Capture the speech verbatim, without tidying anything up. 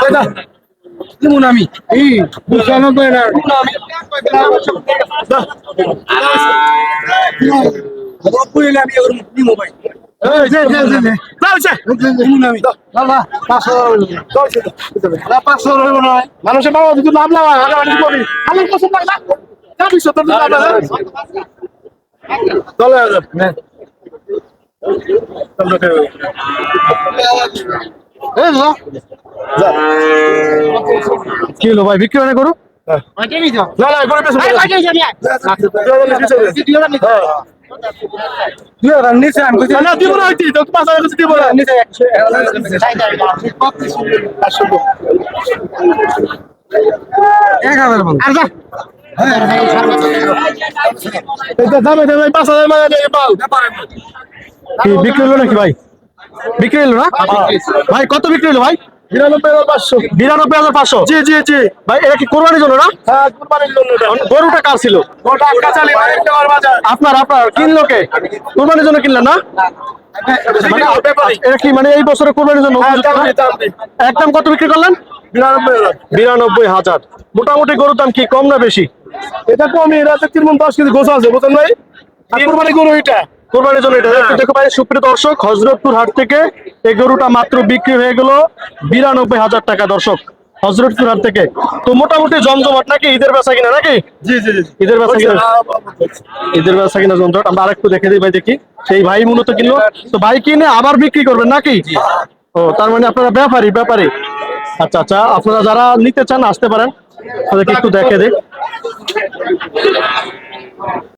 দিমু না আমি এই পঁচানব্বই না নব্বই হলে আমি ওর দিমু ভাই মানুষের বাবা যদি লাভ লাভ আমার পছন্দ না যাবি সত্তর চলে কি হলো ভাই বিক্রি মানে করো নিচে আমি দিব না পাঁচ হাজার দিব না নিচে এক হাজার দামে দামে পাঁচ হাজার মানে কি বিক্রি হলো নাকি ভাই বিক্রি হলো না ভাই কত বিক্রি হলো ভাই বিরানব্বই হাজার পাঁচশো বিরানব্বই হাজার পাঁচশো জি জি জি ভাই এটা কি কোরবানির জন্য না হ্যাঁ কুরবানির জন্য গরুটা কার ছিল গোটা কাঁচালি মানিক দেওয়ার বাজার আপনার আপনার কিনলো কে কোরবানির জন্য কিনলেন না মানে এটা কি মানে এই বছরে কোরবানির জন্য উপযুক্ত না? একদম কত বিক্রি করলেন বিরানব্বই হাজার বিরানব্বই হাজার মোটামুটি গরুর দাম কি কম না বেশি এটা কমই এটা তিন মন দশ কেজি গোছা আছে বুঝলেন ভাই আর কুরবানি গরু এটা কোরবানির জন্য এটা একটু দেখো ভাই সুপ্রিয় দর্শক হযরতপুর হাট থেকে এই গরুটা মাত্র বিক্রি হয়ে গেল বিরানব্বই হাজার টাকা দর্শক হযরতপুর হাট থেকে তো মোটামুটি জমজমাট নাকি ঈদের বেচা কিনা নাকি জি জি জি ঈদের বেচা কিনা ঈদের বেচা কিনা জমজমাট আমরা আরেকটু দেখে দিই ভাই দেখি সেই ভাই মূলত কিনলো তো ভাই কিনে আবার বিক্রি করবেন নাকি ও তার মানে আপনারা ব্যাপারী ব্যাপারী আচ্ছা আচ্ছা আপনারা যারা নিতে চান আসতে পারেন তাদেরকে একটু দেখে দিই